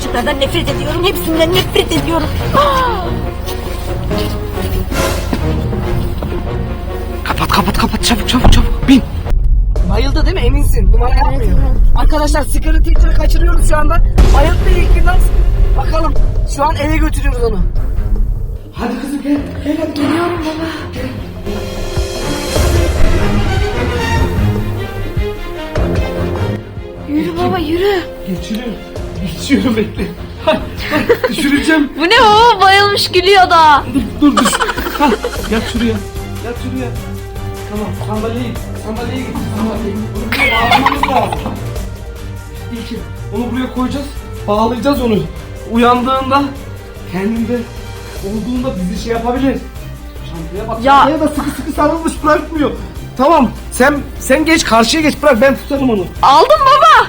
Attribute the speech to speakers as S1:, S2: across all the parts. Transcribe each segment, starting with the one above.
S1: çocuklardan nefret ediyorum. Hepsinden nefret ediyorum.
S2: Kapat çabuk bin. Bayıldı değil mi, eminsin? Numara yapmıyor. Arkadaşlar sigara teacher'ı kaçırıyoruz şu anda. Bayıldı ilk günden. Bakalım şu an eve götürüyoruz onu. Hadi kızım gel.
S1: Geliyorum baba. Yürü baba yürü.
S2: Geçiyorum bekle. Düşüreceğim.
S1: Bu ne baba, bayılmış gülüyor da.
S2: Dur. Yat şuraya. Tamam sandalyeyi getir. Sandalyeyi. Bunu buraya bağlamamız lazım. İlkin onu buraya koyacağız. Bağlayacağız onu. Uyandığında kendinde olduğunda bizi şey yapabilir. Çantaya bak.
S1: Ya.
S2: Çantaya da sıkı sarılmış, bırakmıyor. Tamam sen geç, karşıya geç, bırak ben tutarım onu.
S1: Aldım baba.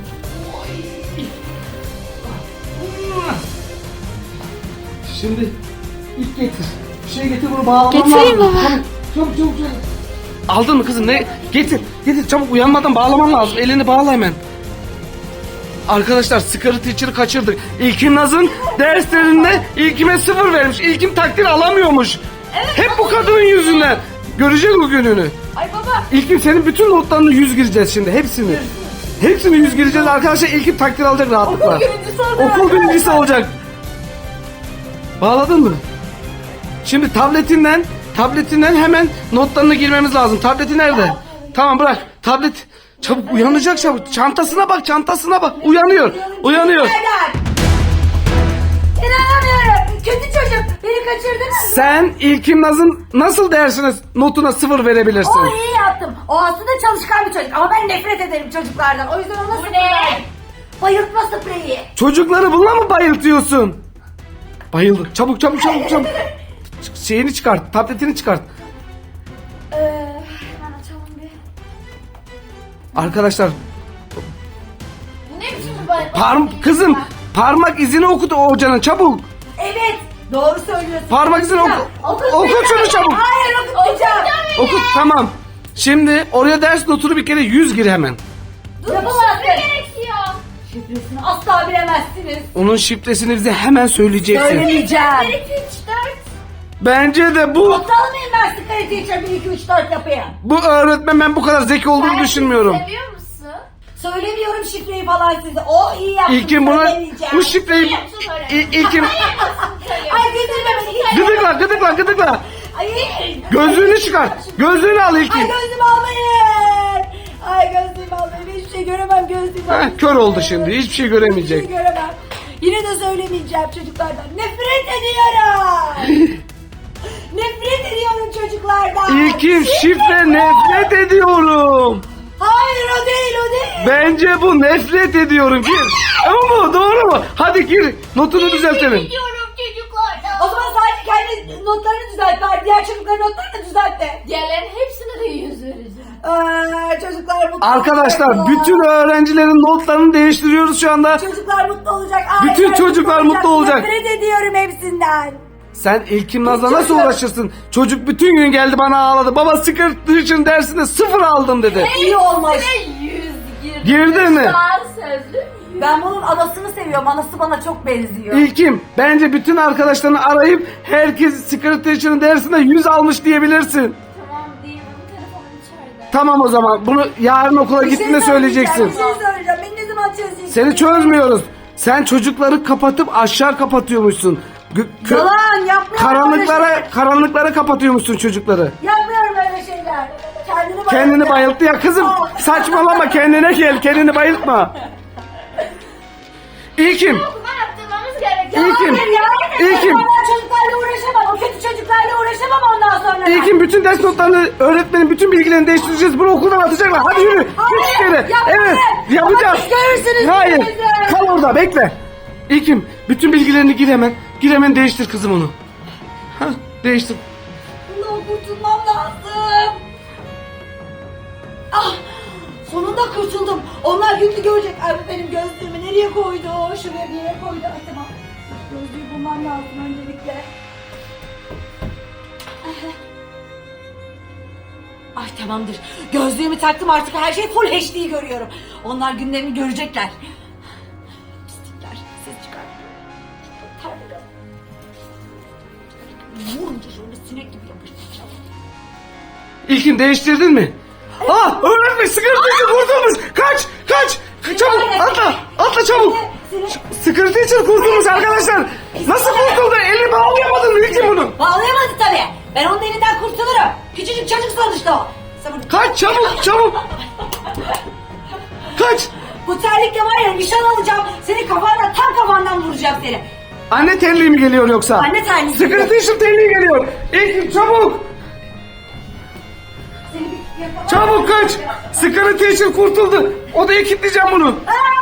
S2: Şimdi ilk getir. Bir şey getir, bunu bağlamam
S1: Getireyim
S2: lazım.
S1: baba.
S2: Çabuk. Aldın mı kızım? Ne? Getir çabuk, uyanmadan bağlaman lazım. Elini bağla hemen. Arkadaşlar sigara teacher'ı kaçırdık. İlkin Naz'ın derslerinde İlkim'e 0 vermiş. İlkim takdir alamıyormuş.
S1: Evet,
S2: hep bu kadının yüzünden. Göreceğiz o gününü.
S1: Ay baba.
S2: İlkim senin bütün notlarını 100 gireceğiz şimdi, hepsini. Hepsini 100 gireceğiz arkadaşlar. İlkim takdir alacak rahatlıkla. Okul birincisi olacak. Bağladın mı? Şimdi tabletinden hemen notlarını girmemiz lazım. Tableti nerede? Tamam bırak. Tablet çabuk uyanacak çabuk. Çantasına bak. Uyanıyor.
S1: İnanamıyorum. Kötü çocuk. Beni kaçırdınız.
S2: Sen İlkim Naz'ın nasıl dersine notuna 0 verebilirsin?
S1: O iyi yaptım. O aslında çalışkan bir çocuk. Ama ben nefret ederim çocuklardan. O yüzden ona sıfır verdim. Bayıltma spreyi.
S2: Çocukları bununla mı bayıltıyorsun? Bayıldık. Çabuk. Şeyini çıkart. Tabletini çıkart.
S1: Hemen açalım bir.
S2: Arkadaşlar
S1: Bu ne biçim bir bayıltma?
S2: kızım parmak izini okut o hocanın çabuk.
S1: Evet. Doğru söylüyorsun.
S2: Parmak izini oku şunu çabuk.
S1: Hayır okutmayacağım.
S2: Okut tamam. Şimdi oraya ders notunu bir kere 100 gir hemen.
S1: Yapamazsın. Gerekiyor. Şifresini asla bilemezsiniz.
S2: Onun şifresini bize hemen söyleyeceksin.
S1: Söylemeyeceğim. 1, 2, 3, 4.
S2: Bence de bu
S1: Aptal mıyım ben sigara teacher 1, 2, 3, 4 yapayım?
S2: öğretmen, ben bu kadar zeki olduğunu düşünmüyorum.
S1: Seviyor musun? Söylemiyorum şifreyi falan size. O iyi yaptı.
S2: İlkim bu şifreyi İlkim
S1: Ay getirme beni.
S2: gıdıkla.
S1: Ay.
S2: Gözlüğünü çıkar. Gözlüğünü al
S1: Ay
S2: İlkim.
S1: gözlüğümü almayın. Ay gözlüğümü almayın. Hiçbir şey göremem gözlüğümü almayın.
S2: Kör oldu şimdi. Hiçbir şey göremeyecek.
S1: Hiçbir şey göremem. Yine de söylemeyeceğim çocuklardan. Nefret ediyorum. Nefret ediyorum çocuklardan.
S2: İlkim şifre nefret ediyorum.
S1: Hayır o değil.
S2: Bence bu nefret ediyorum. Gir. Ama bu doğru mu? Hadi gir. Notunu düzeltelim.
S1: Ediyorum çocuklardan. O zaman sadece kendi notlarını düzelt. Bari diğer çocukların notlarını da düzelt de.
S3: Diğerlerin hepsine de 100 vereceğim.
S1: Çocuklar mutlu
S2: Arkadaşlar
S1: olacak.
S2: bütün öğrencilerin notlarını değiştiriyoruz şu anda.
S1: Çocuklar mutlu olacak.
S2: Bütün
S1: aileler
S2: çocuklar mutlu olacak.
S1: Nefret ediyorum hepsinden.
S2: Sen İlkim Naz'la nasıl
S1: Çocuk.
S2: uğraşırsın? Çocuk bütün gün geldi bana ağladı. Baba sigara için dersinde 0 aldım dedi.
S1: İyi olmuş.
S3: 100
S2: Girdi mi?
S3: Daha sözlü.
S1: Ben bunun anasını seviyorum. Anası bana çok benziyor.
S2: İlkim bence bütün arkadaşlarını arayıp herkes sigara için dersinde 100 almış diyebilirsin.
S3: Tamam değil, benim telefonum içeride.
S2: Tamam o zaman bunu yarın okula
S1: Bir şey
S2: gittiğinde
S1: söyleyeceğim,
S2: söyleyeceksin.
S1: Bir şey söyleyeceğim. Beni ne zaman çözeceksin?
S2: Seni çözmüyoruz. Sen çocukları kapatıp aşağı kapatıyormuşsun.
S1: Yalan yapmıyorum. öyle şeyler.
S2: Karanlıklara kapatıyormuşsun çocukları.
S1: Yapmıyorum öyle şeyler.
S2: Kendini bayılttı ya kızım. Saçmalama, kendine gel. Kendini bayıltma. İlkim.
S3: Okuma yaptırmamız gerekiyor.
S2: İlkim.
S1: İlkim. Ben çocuklarla uğraşamam. O kötü çocuklarla uğraşamam ondan sonra.
S2: İlkim bütün ders notlarını, öğretmenin bütün bilgilerini değiştireceğiz. Bunu okuldan atacaklar. Hadi yürü. Git içeri.
S1: yapmayın.
S2: Evet. Yapacağız.
S1: Ama siz görürsünüz
S2: Hayır.
S1: gününüzü.
S2: Kal orada bekle. İlkim bütün bilgilerini gir hemen. Gir hemen değiştir kızım onu. Hah, değiştir.
S1: Bundan kurtulmam lazım. Ah! Sonunda kurtuldum. Onlar günlü görecek. Ay bu benim gözlüğümü nereye koydu? Şuraya bir yere koydu. Ay tamam. Gözlüğü bulmam lazım öncelikle. Ay tamamdır. Gözlüğümü taktım, artık her şey full HD görüyorum. Onlar günlerini görecekler. Pislikler. Ses çıkar. sinek gibi yapıştıracağım.
S2: İlkin değiştirdin mi? Öğretmen sıkıntıyı kurtulmuş. Kaç. Çabuk atla çabuk. Secret teacher kurtulmuş arkadaşlar. Nasıl kurtuldu? Elini bağlayamadın mı İlkin bunu?
S1: Bağlayamadı tabii. Ben onun elinden kurtulurum. Küçücük çocuk sonuçta o.
S2: Kaç çabuk. Kaç.
S1: Bu terlikle var ya nişan alacağım. Seni tam kafandan vuracağım seni.
S2: Anne terliği mi geliyor yoksa?
S1: Anne terliği.
S2: Secret teacher terliği geliyor. İlkin çabuk.
S1: Seni bir yakalar.
S2: Çabuk kaç. Secret teacher kurtuldu. Odaya kilitleyeceğim bunu.
S1: Aa!